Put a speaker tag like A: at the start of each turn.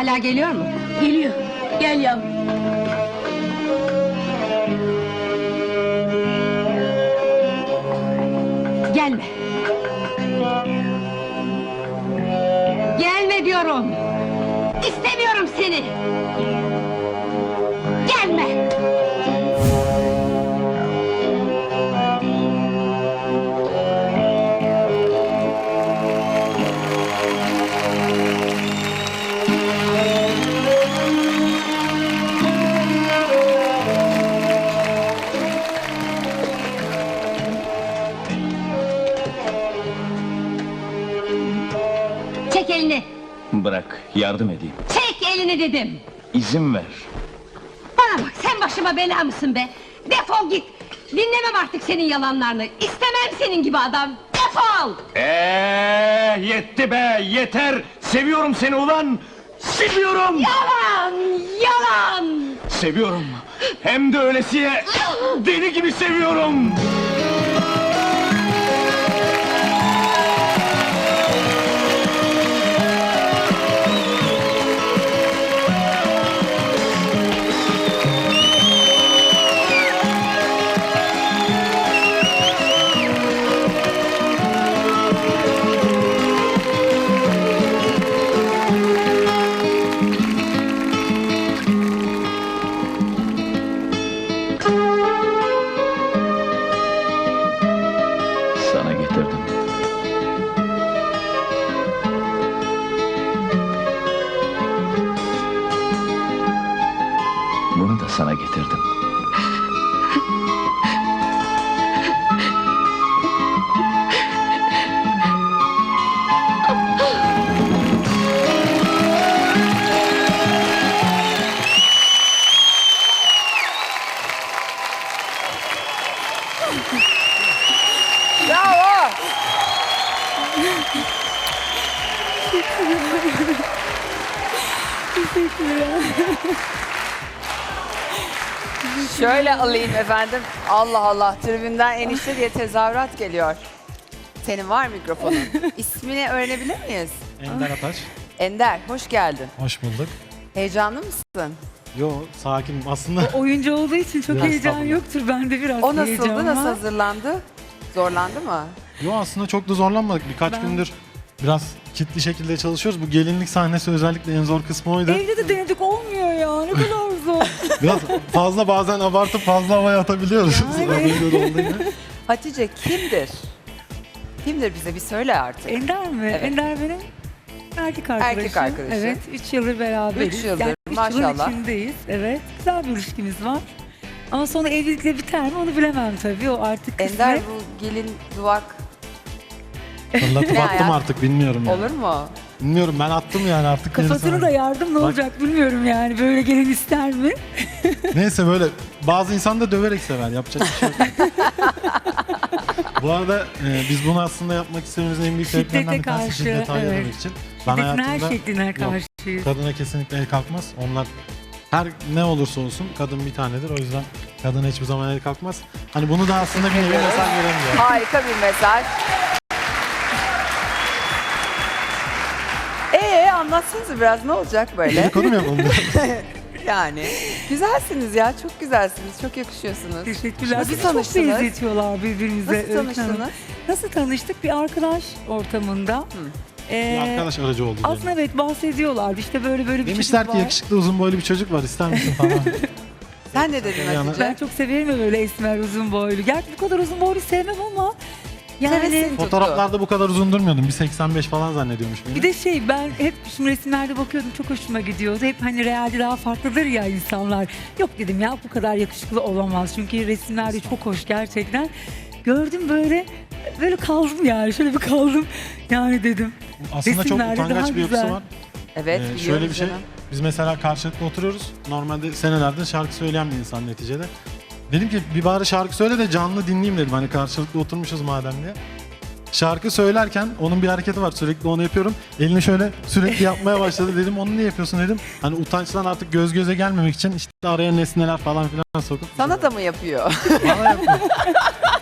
A: hala geliyor mu?
B: Geliyor. Gel yavrum.
A: Gelme. Gelme diyorum. İstemiyorum seni. Gelme. Çek elini.
C: Bırak, yardım edeyim.
A: Çek elini dedim.
C: İzin ver.
A: Bana bak, sen başıma bela mısın be? Defol git. Dinlemem artık senin yalanlarını. İstemem senin gibi adam. Defol.
C: Yetti be, yeter! Seviyorum seni ulan! Seviyorum!
A: Yalan, yalan.
C: Seviyorum! Hem de öylesiye deli gibi seviyorum! Sana getirdim. Bunu da sana getirdim.
D: Bravo! Şöyle alayım efendim. Allah Allah, tribünden enişte diye tezahürat geliyor. Senin var mikrofonun. İsmini öğrenebilir miyiz?
E: Ender Ataş.
D: Ender, hoş geldin.
E: Hoş bulduk.
D: Heyecanlı mısın?
E: Yo, sakinim aslında.
F: Oyuncu olduğu için çok
E: Biraz
F: heyecan
E: sabırlı.
F: yoktur. Bende biraz
D: O
F: heyecan
D: nasıldı, nasıl
F: var.
D: hazırlandı? Zorlandı mı?
E: Yo, aslında çok da zorlanmadık. Birkaç gündür biraz kitli şekilde çalışıyoruz. Bu gelinlik sahnesi özellikle en zor kısmı oydu.
F: Evde de denedik, olmuyor ya. Ne kadar zor.
E: Biraz fazla bazen abartıp fazla havaya atabiliyoruz.
F: Yani.
E: Az önce de olduğu gibi.
D: Hatice kimdir? Kimdir bize bir söyle artık.
F: Ender mi?
D: Evet.
F: Ender benim erkek arkadaşım.
D: Erkek arkadaşın.
F: Evet, 3 yıldır beraberiz.
D: 3 yıldır,
F: Yani üç yılın
D: maşallah.
F: içindeyiz. Evet, güzel bir ilişkimiz var. Ama sonra evlilikle biter mi onu bilemem tabii. O artık
D: Ender
F: kısmet.
D: bu gelin duvak
E: Fırlatıp
D: Ne
E: attım
D: ayak?
E: artık, bilmiyorum yani.
D: olur mu?
E: Bilmiyorum, ben attım yani artık.
F: Kafasına
E: gerisi-
F: da yardım ne
E: Bak-
F: olacak bilmiyorum yani. Böyle gelin ister mi?
E: Neyse, böyle bazı insan da döverek sever, yapacak bir şey yok. Bu arada biz bunu aslında yapmak istememizin en büyük
F: Şiddete
E: sebeplerinden bir tanesi
F: karşı,
E: şiddeti
F: evet.
E: ayırmak için. Ben
F: Şiddetin her
E: hayatımda
F: şekline
E: yok,
F: karşıyız.
E: kadına kesinlikle el kalkmaz. Onlar her ne olursa olsun kadın bir tanedir. O yüzden kadına hiçbir zaman el kalkmaz. Hani bunu da aslında bir nevi mesaj veremiyor.
D: Harika bir mesaj. Anlatsanıza biraz, ne olacak böyle?
E: Dedikodu mu yapalım?
D: Yani güzelsiniz ya, çok güzelsiniz, çok yakışıyorsunuz.
F: Teşekkürler.
D: Nasıl
F: Bizi çok
D: tanıştınız?
F: benzetiyorlar birbirimize.
D: Nasıl
F: Öykü Hanım.
D: tanıştınız?
F: Nasıl tanıştık? Bir arkadaş ortamında.
E: Bir arkadaş aracı oldu.
F: Aslında
E: diyelim.
F: evet bahsediyorlar. İşte böyle bir
E: Demişler
F: çocuk
E: ki
F: var.
E: yakışıklı uzun boylu bir çocuk var, ister misin falan.
D: Sen ne dedin
E: Yani-
D: Hatice?
F: Ben çok severim ya böyle esmer uzun boylu. Gerçi bu kadar uzun boylu sevmem ama yani
D: Hevesin tuttu.
E: Fotoğraflarda bu kadar uzun durmuyordum. Bir 85 falan zannediyormuş beni.
F: bir de ben hep şimdi resimlerde bakıyordum, çok hoşuma gidiyordu. Hep hani realde daha farklıdır ya insanlar. Yok dedim ya, bu kadar yakışıklı olamaz. Çünkü resimlerde çok hoş gerçekten. Gördüm böyle kaldım yani, şöyle bir kaldım yani dedim.
E: Aslında çok
F: resimlerde
E: utangaç
F: daha
E: bir yapısı
F: güzel.
E: var.
D: Evet, biliyoruz
E: Şöyle bir şey,
D: canım.
E: biz mesela karşılıklı oturuyoruz. Normalde senelerdir şarkı söyleyen bir insan neticede. Dedim ki bir bari şarkı söyle de canlı dinleyeyim dedim. Hani karşılıklı oturmuşuz madem diye. Şarkı söylerken onun bir hareketi var, sürekli onu yapıyorum. Elini şöyle sürekli yapmaya başladı, dedim onu niye yapıyorsun dedim. Hani utançtan artık göz göze gelmemek için işte araya nesneler falan filan sokup.
D: Sana da mı yapıyor?
E: Bana yapıyor.